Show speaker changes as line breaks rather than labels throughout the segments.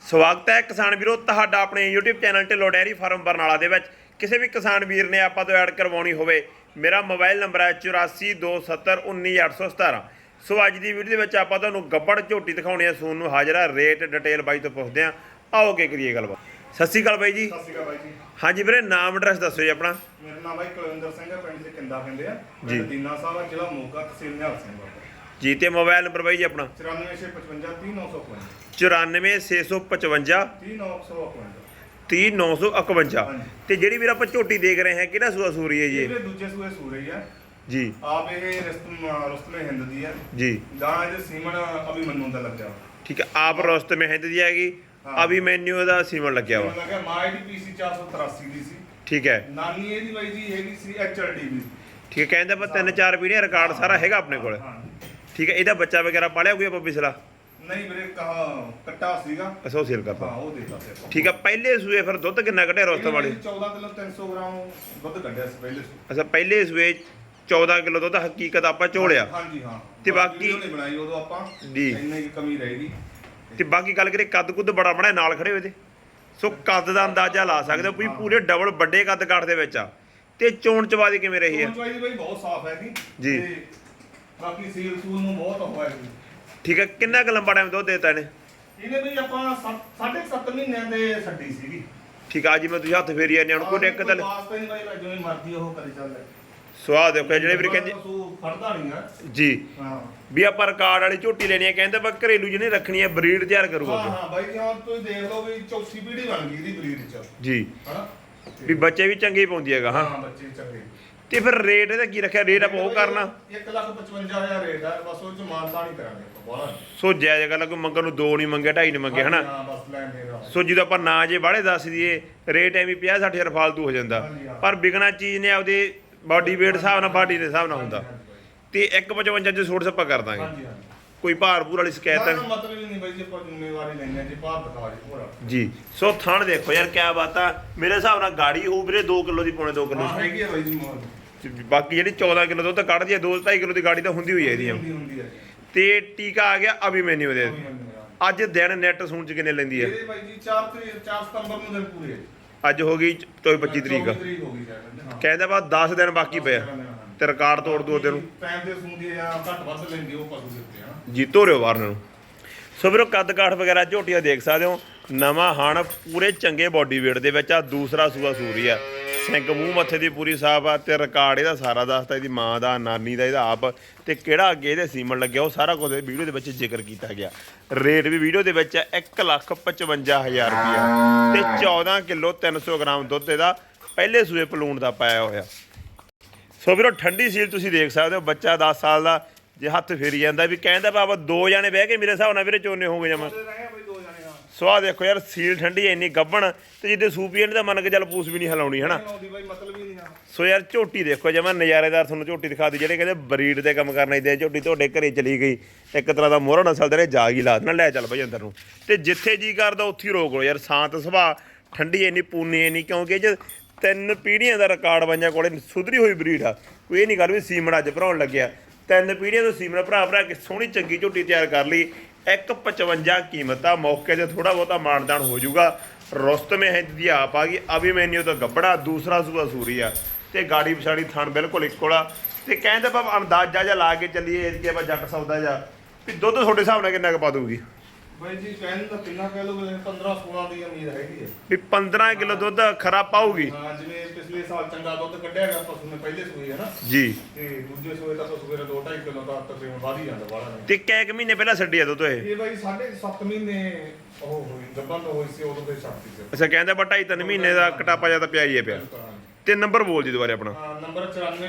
ਸਵਾਗਤ ਹੈ ਕਿਸਾਨ ਵੀਰੋ ਤੁਹਾਡਾ ਆਪਣੇ YouTube channel Dhillon dairy farm Barnala ਦੇ ਵਿੱਚ। ਕਿਸੇ ਵੀ ਕਿਸਾਨ ਵੀਰ ਨੇ ਆਪਾਂ ਤੋਂ ਐਡ ਕਰਵਾਉਣੀ ਹੋਵੇ, ਮੇਰਾ ਮੋਬਾਈਲ ਨੰਬਰ ਹੈ 8427191817। ਸੋ ਅੱਜ ਦੀ ਵੀਡੀਓ ਦੇ ਵਿੱਚ ਆਪਾਂ ਤੁਹਾਨੂੰ ਗੱਬੜ ਝੋਟੀ ਦਿਖਾਉਣੀ ਹੈ ਸੂਨ ਨੂੰ ਹਾਜ਼ਰ ਆ। ਰੇਟ ਡਿਟੇਲ ਬਾਈ ਤੋਂ ਪੁੱਛਦੇ ਆ, ਆਓ ਕੇ ਕਰੀਏ ਗੱਲਬਾਤ। ਸਤਿ ਸ਼੍ਰੀ ਅਕਾਲ ਬਾਈ ਜੀ।
ਸਤਿ ਸ਼੍ਰੀ ਅਕਾਲ ਬਾਈ ਜੀ।
ਹਾਂਜੀ ਵੀਰੇ, ਨਾਮ ਐਡਰੈਸ ਦੱਸੋ ਜੀ ਆਪਣਾ।
ਮੇਰਾ ਨਾਮ ਬਾਈ ਕੁਲਵਿੰਦਰ ਸਿੰਘ ਹੈ, ਪਿੰਡ ਦੇ ਕਿੰਦਾ ਪਿੰਦੇ ਆ
ਜੀ।
ਦੀਨਾ ਸਾਹਿਬ ਆ, ਜ਼ਿਲ੍ਹਾ ਮੋਗਾ, ਤਹਿਸੀਲ ਨਿਹਾਲ ਸਿੰਘ
ਜੀ। ਤੇ ਮੋਬਾਈਲ ਨੰਬਰ ਬਾਈ ਜੀ ਆਪਣਾ
9465530951
9465530951 30951। ਤੇ ਜਿਹੜੀ ਵੀਰ ਆਪਾਂ ਝੋਟੀ ਦੇਖ ਰਹੇ ਹਾਂ ਕਿਹੜਾ ਸੂਆ ਸੂਰੀ ਹੈ ਜੀ?
ਇਹ ਦੂਜੇ ਸੂਏ ਸੂਰੇ ਹੀ ਆ
ਜੀ।
ਆਪ ਇਹ ਰਸਤਮੇ ਹਿੰਦ ਦੀ ਆ
ਜੀ।
ਗਾਂ ਇਹਦੇ ਸੀਮਨ ਅਭੀ ਮੰਨੂ ਦਾ ਲੱਗਿਆ।
ਠੀਕ ਹੈ, ਆਪ ਰਸਤਮੇ ਹਿੰਦ ਦੀ ਹੈਗੀ, ਅਭੀ ਮੈਨੂ ਦਾ ਸੀਮਨ ਲੱਗਿਆ ਵਾ।
ਲੱਗਿਆ ਮਾਈ ਦੀ ਪੀਸੀ 483 ਦੀ ਸੀ।
ਠੀਕ ਹੈ।
ਨਾਨੀ ਇਹਦੀ ਬਾਈ ਜੀ ਹੈਗੀ ਸੀ ਐਚਐਲਡੀ ਦੀ।
ਠੀਕ ਹੈ, ਕਹਿੰਦੇ ਆਪਾਂ 3-4 ਪੀੜ੍ਹੀਆਂ ਰਿਕਾਰਡ ਸਾਰਾ ਹੈਗਾ ਆਪਣੇ ਕੋਲ। ਠੀਕ ਹੈ, ਇਹਦਾ ਬੱਚਾ ਵਗੈਰਾ ਪਾਲਿਆ ਕੋਈ ਆਪਾਂ ਪਿਛਲਾ?
ਨਹੀਂ ਵੀਰੇ, ਕਹਾ ਕੱਟਾ ਸੀਗਾ।
ਅੱਛਾ, ਉਹ ਸੇਲ ਕਰਤਾ।
ਹਾਂ, ਉਹ ਦੇਤਾ ਸੀ।
ਠੀਕ ਹੈ, ਪਹਿਲੇ ਸੂਏ ਫਿਰ ਦੁੱਧ ਕਿੰਨਾ ਕੱਢਿਆ ਰੋਸਤਮ ਵਾਲੇ?
14 ਕਿਲੋ 300 ਗ੍ਰਾਮ ਦੁੱਧ ਕੱਢਿਆ ਸੀ ਪਹਿਲੇ ਸੂਏ।
ਅੱਛਾ, ਪਹਿਲੇ ਸੂਏ 14 ਕਿਲੋ ਦੁੱਧ ਹਕੀਕਤ ਆਪਾਂ ਝੋਲਿਆ।
ਹਾਂਜੀ ਹਾਂ।
ਤੇ ਬਾਕੀ
ਨਹੀਂ ਬਣਾਈ ਉਦੋਂ ਆਪਾਂ
ਜੀ,
ਇੰਨੀ ਕੀ ਕਮੀ ਰਹੇਗੀ।
ਤੇ ਬਾਕੀ ਗੱਲ ਕਰੇ ਕੱਦ ਕੁੱਦ ਬੜਾ ਬੜਾ ਨਾਲ ਖੜੇ ਹੋਏ ਤੇ, ਸੋ ਕੱਦ ਦਾ ਅੰਦਾਜ਼ਾ ਲਾ ਸਕਦੇ ਹੋ ਵੀ ਪੂਰੇ ਡਬਲ ਵੱਡੇ ਕੱਦ ਕਾਠ ਦੇ ਵਿੱਚ ਆ। ਤੇ ਚੋਣ ਚਵਾਦੀ ਕਿਵੇਂ ਰਹੀ ਹੈ?
ਚੋਣ ਚਵਾਦੀ ਬਾਈ ਬਹੁਤ ਸਾਫ਼ ਹੈ
ਜੀ।
ਤੇ ਬਾਕੀ ਸੀਲ ਸੂਲ ਨੂੰ ਬਹੁਤ ਹੋਇਆ ਜੀ।
ਠੀਕ ਹੈ, ਕਿੰਨਾ ਕੁ ਲੰਬਾ ਟਾਈਮ ਦੁੱਧ ਦੇਤਾ ਇਹਨੇ?
ਇਹਨੇ ਬਈ ਆਪਾਂ 7.5 ਮਹੀਨਿਆਂ ਦੇ ਛੱਡੀ ਸੀਗੀ।
ਠੀਕ ਆ ਜੀ, ਮੈਂ ਤੁਸੀਂ ਹੱਥ ਫੇਰੀ ਜਾਂਦੇ ਹੁਣ ਕੋਈ ਇੱਕ ਤਾਂ
ਵਾਸਤੇ ਨਹੀਂ ਬਾਈ, ਜਿਵੇਂ ਮਰਜ਼ੀ ਉਹ ਕਰੀ ਚੱਲ।
ਸਵਾਦ ਦੇਖੋ ਜਿਹੜੇ ਵੀਰ ਕਹਿੰਦੇ
ਫੜਦਾ ਨਹੀਂ ਆ
ਜੀ
ਹਾਂ
ਵੀ ਆਪਾਂ ਰਿਕਾਰਡ ਵਾਲੀ ਝੋਟੀ ਲੈਣੀ ਹੈ, ਕਹਿੰਦੇ ਆਪਾਂ ਘਰੇਲੂ ਜਿਹਨੇ ਰੱਖਣੀ ਹੈ ਬਰੀਡ ਤਿਆਰ ਕਰੂਗਾ।
ਹਾਂ ਹਾਂ ਬਾਈ, ਹੁਣ ਤੁਸੀਂ ਦੇਖ ਲਓ ਵੀ ਚੌਥੀ ਪੀੜ੍ਹੀ ਬਣ ਗਈ ਇਹਦੀ ਬਰੀਡ ਚ
ਜੀ।
ਹਨਾ
ਵੀ ਬੱਚੇ ਵੀ ਚੰਗੇ ਪਾਉਂਦੀ ਹੈਗਾ। ਹਾਂ,
ਬੱਚੇ ਚੰਗੇ।
ਤੇ ਫਿਰ ਰੇਟ ਇਹਦਾ ਕੀ ਰੱਖਿਆ? ਰੇਟ ਆਪਾਂ ਉਹ ਕਰਨਾ
1,55,000 ਰੇਟ ਆ, ਬਸ ਉਹ ਚ ਮਾਨਤਾ ਨਹੀਂ ਕਰਾਂਗੇ ਬਾਹਲਾ।
ਸੋ ਜਾਇਜ਼ ਗੱਲ ਕੋਈ ਮੰਗਣ ਨੂੰ 2 ਨਹੀਂ ਮੰਗੇ, 2.5 ਨਹੀਂ ਮੰਗੇ, ਹਨਾ।
ਹਾਂ ਬਸ ਲੈਣ ਦੇਣਾ।
ਸੋ ਜਦੋਂ ਆਪਾਂ ਨਾ ਜੇ ਬਾਹਲੇ ਦੱਸ ਦਈਏ ਰੇਟ ਐਵੇਂ 50-60 ਹਜ਼ਾਰ ਫਾਲਤੂ ਹੋ ਜਾਂਦਾ, ਪਰ ਵਿਕਣਾ ਚੀਜ਼ ਨੇ ਆਪਦੇ ਬਾਡੀ ਵੇਟ ਹਿਸਾਬ ਨਾਲ, ਬਾਡੀ ਦੇ ਹਿਸਾਬ ਨਾਲ ਹੁੰਦਾ। ਤੇ 1,55 ਚ ਛੋਟ ਸੱਪਾ ਕਰ ਦਾਂਗੇ। ਕੋਈ ਭਾਰ ਭੂਰ ਵਾਲੀ ਸ਼ਿਕਾਇਤ ਹੈ?
ਮਤਲਬ ਹੀ ਨਹੀਂ ਬਾਈ ਜੀ, ਆਪਾਂ ਜ਼ਿੰਮੇਵਾਰੀ ਲੈਣੀ ਹੈ ਜੀ, ਭਾਰ ਦਿਖਾ ਜੀ ਪੂਰਾ
ਜੀ। ਸੋ ਥਣ ਦੇਖੋ ਯਾਰ ਕਿਆ ਬਾਤ ਆ। ਮੇਰੇ ਹਿਸਾਬ ਨਾਲ ਗਾੜੀ ਹੋਊ ਵੀਰੇ 2 ਕਿਲੋ ਦੀ, ਪੌਣੇ 2 ਕਿਲੋ।
ਹਾਂ ਹੈਗੀ ਹੈ ਬਾਈ ਜੀ ਮੋਲ।
ਬਾਕੀ ਜਿਹੜੀ 14 ਕਿਲੋ ਦੁੱਧ ਕੱਢਦੀ ਹੈ, 2-2.5 ਕਿਲੋ ਦੀ ਗਾੜੀ ਤਾਂ ਹੁੰਦੀ ਹੋਈ ਹੈ ਇਹਦੀ।
ਹੁੰਦੀ ਹੈ।
ਤੇ ਟੀਕਾ ਆ ਗਿਆ ਅਭੀ ਮੈਨੂ ਦੇ। ਅੱਜ ਦਿਨ ਨੈਟ ਸੂਣ ਚ ਕਿੰਨੇ ਲੈਂਦੀ ਹੈ?
ਇਹਦੇ ਬਾਈ ਜੀ 4 ਸਤੰਬਰ ਨੂੰ ਦਿਨ ਪੂਰੇ।
ਅੱਜ ਹੋ ਗਈ 25 ਤਰੀਕ।
ਹੋ ਗਈ ਸ਼ਾਇਦ।
ਕਹਿੰਦਾ ਬਾ 10 ਦਿਨ ਬਾਕੀ ਪਿਆ ਤੇ ਰਿਕਾਰਡ ਤੋੜ ਦੋ ਉਹਦੇ ਨੂੰ।
ਟਾਈਮ ਦੇ ਸੂੰਦੀ ਆ ਘੱਟ ਵੱਧ ਲੈਂਦੀ ਉਹ ਪਸ਼ੂ ਦੇ ਉੱਤੇ ਹਨਾ
ਜੀ। ਧੋਰਿਓ ਬਾਹਰ ਨੂੰ। ਸੋ ਵੀਰੋ ਕੱਦ ਕਾਠ ਵਗੈਰਾ ਝੋਟੀਆਂ ਦੇਖ ਸਕਦੇ ਹੋ, ਨਵਾਂ ਹਣ ਪੂਰੇ ਚੰਗੇ ਬਾਡੀ ਵੇਟ ਦੇ ਵਿੱਚ ਆ। ਦੂਸਰਾ ਸੂਆ ਸੂਰੀ ਆ, ਸਿੰਗ ਮੂੰਹ ਮੱਥੇ ਦੀ ਪੂਰੀ ਸਾਫ ਆ। ਤੇ ਰਿਕਾਰਡ ਇਹਦਾ ਸਾਰਾ ਦੱਸਦਾ, ਇਹਦੀ ਮਾਂ ਦਾ, ਨਾਨੀ ਦਾ, ਇਹਦਾ ਆਪ, ਤੇ ਕਿਹੜਾ ਅੱਗੇ ਇਹਦੇ ਸੀਮਨ ਲੱਗਿਆ ਉਹ ਸਾਰਾ ਕੁਝ ਵੀਡੀਓ ਦੇ ਵਿੱਚ ਜ਼ਿਕਰ ਕੀਤਾ ਗਿਆ। ਰੇਟ ਵੀ ਵੀਡੀਓ ਦੇ ਵਿੱਚ 1,55,000 ਰੁਪਇਆ ਤੇ 14 ਕਿਲੋ 300 ਗ੍ਰਾਮ ਦੁੱਧ ਇਹਦਾ ਪਹਿਲੇ ਸੂਏ ਪਲੂਣ ਦਾ ਪਾਇਆ ਹੋਇਆ। ਸੋ ਵੀਰੋ ਠੰਡੀ ਸੀਲ ਤੁਸੀਂ ਦੇਖ ਸਕਦੇ ਹੋ। ਬੱਚਾ 10 ਸਾਲ ਦਾ ਜੇ ਹੱਥ ਫੇਰੀ ਜਾਂਦਾ ਵੀ ਕਹਿੰਦਾ ਬਾਬਾ 2 ਜਾਣੇ ਬਹਿ ਕੇ ਮੇਰੇ ਹਿਸਾਬ ਨਾਲ ਵੀਰੇ ਚੋਨੇ ਹੋਗੇ ਜਮਾ। ਸਵਾਹ ਦੇਖੋ ਯਾਰ, ਸੀਲ ਠੰਡੀ ਇੰਨੀ ਗੱਭਣ, ਤੇ ਜਿੱਦੇ ਸੂਪੀਐਂਟ ਦਾ ਮੰਨ ਕੇ ਚੱਲ ਪੂਸ ਵੀ ਨਹੀਂ ਹਿਲਾਉਣੀ, ਹਨਾ। ਸੋ ਯਾਰ ਝੋਟੀ ਦੇਖੋ ਜਮਾ ਨਜ਼ਾਰੇਦਾਰ। ਤੁਹਾਨੂੰ ਝੋਟੀ ਦਿਖਾ ਦੀ, ਜਿਹੜੇ ਕਹਿੰਦੇ ਬਰੀਡ ਤੇ ਕੰਮ ਕਰਨਾ ਇਦਾਂ ਝੋਟੀ ਤੁਹਾਡੇ ਘਰੇ ਚਲੀ ਗਈ, ਇੱਕ ਤਰ੍ਹਾਂ ਦਾ ਮੋਹਰਾ ਨਸਲ ਦੇ ਨੇ ਜਾਗ ਹੀ ਲਾ ਦੇਣਾ। ਲੈ ਚੱਲ ਭਾਈ ਅੰਦਰ ਨੂੰ, ਤੇ ਜਿੱਥੇ ਜੀ ਕਰਦਾ ਉੱਥੇ ਹੀ ਰੋਕ ਲਓ ਯਾਰ। ਸ਼ਾਂਤ ਸੁਭਾਅ, ਠੰਡੀ ਇੰਨੀ, ਪੂਨੀ ਇੰਨੀ, ਕਿਉਂਕਿ ਇਹ 3 ਪੀੜ੍ਹੀਆਂ ਦਾ ਰਿਕਾਰਡ ਪੰਜਾਂ ਕੋਲੇ ਸੁਧਰੀ ਹੋਈ ਬਰੀਡ ਆ। ਕੋਈ ਇਹ ਨਹੀਂ ਗੱਲ ਵੀ ਸੀਮਨ ਅੱਜ ਭਰਾਉਣ ਲੱਗਿਆ, 3 ਪੀੜ੍ਹੀਆਂ ਤੋਂ ਸੀਮਨ ਭਰਾ ਕੇ ਸੋਹਣੀ ਚੰਗੀ ਝੋਟੀ ਤਿਆਰ ਕਰ ਲਈ। 1,55 ਕੀਮਤ ਆ। ਮੌਕੇ 'ਤੇ ਥੋੜ੍ਹਾ ਬਹੁਤਾ ਮਾਨਦਾਨ ਹੋ ਜਾਊਗਾ। ਰੁਸਤਮੇ ਹਿੰਦ ਦੀ ਆਪ ਆ ਗਈ, ਅਭੀ ਮੈਨੂ ਤੋਂ ਗੱਬੜਾ, ਦੂਸਰਾ ਸੂਆ ਸੂਰੀ ਆ। ਤੇ ਗਾੜੀ ਪਛਾੜੀ ਥਣ ਬਿਲਕੁਲ ਇੱਕੋ ਆ। ਤੇ ਕਹਿੰਦੇ ਆਪਾਂ ਅੰਦਾਜ਼ਾ ਜਿਹਾ ਲਾ ਕੇ ਚੱਲੀਏ ਕਿ ਆਪਾਂ ਜੱਟ ਸੌਦਾ ਜਾ ਵੀ ਦੁੱਧ ਤੁਹਾਡੇ ਹਿਸਾਬ ਨਾਲ ਕਿੰਨਾ ਕੁ ਪਾ ਦੂਗੀ?
ਬਾਈ ਜੀ ਕਹਿੰਦੇ ਤਾਂ ਕਿੰਨਾ ਕਹਿ ਲਓ, 15-16 ਦੀ ਉਮੀਦ ਹੈਗੀ ਹੈ
ਵੀ 15 ਕਿਲੋ ਦੁੱਧ ਖਰਾ ਪਾਊਗੀ।
ਹਾਂ, ਜਿਵੇਂ ਪਿਛਲੇ ਸਾਲ ਚੰਗਾ ਦੁੱਧ ਕੱਢਿਆ ਗਿਆ ਪਸ਼ੂ ਨੇ ਪਹਿਲੇ ਸੂਏ ਹੈ ਨਾ
ਜੀ।
ਤੇ ਦੂਜੇ ਸੂਏ ਤਾਂ ਪਸ਼ੂ ਮੇਰਾ 2-2.5 ਕਿਲੋ ਦਾ ਤਕਰੀਬਨ ਵਧ ਹੀ ਜਾਂਦਾ ਬਾਹਲਾ।
ਤੇ ਕੈਕ ਮਹੀਨੇ ਪਹਿਲਾਂ ਛੱਡਿਆ ਦੁੱਧ ਇਹ?
ਇਹ ਬਾਈ 7.5 ਮਹੀਨੇ ਉਹ ਹੋਈ ਗੱਭਣ ਤੋਂ ਹੋਈ ਸੀ, ਉਦੋਂ ਤੇ ਛੱਡਤੀ ਸੀ।
ਅੱਛਾ, ਕਹਿੰਦੇ ਆਪਾਂ 2.5-3 ਮਹੀਨੇ ਦਾ ਕਟਾਪਾ ਜਿਆਦਾ ਪਿਆ ਹੀ ਹੈ ਪਿਆ। ਤੇ ਨੰਬਰ ਬੋਲ ਜੀ ਦੁਬਾਰੇ ਆਪਣਾ।
ਨੰਬਰ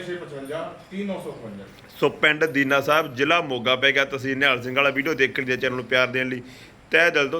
9465530955।
ਸੋ ਪਿੰਡ ਦੀਨਾ ਸਾਹਿਬ, ਜ਼ਿਲ੍ਹਾ ਮੋਗਾ ਪੈ ਗਿਆ, ਤਹਿਸੀਲ ਨਿਹਾਲ ਸਿੰਘ ਵਾਲਾ। ਵੀਡੀਓ ਦੇਖਣ ਦੇ ਚੈਨਲ ਨੂੰ ਪਿਆਰ ਦੇਣ ਲਈ ਤਹਿ ਦਿਲ ਤੋਂ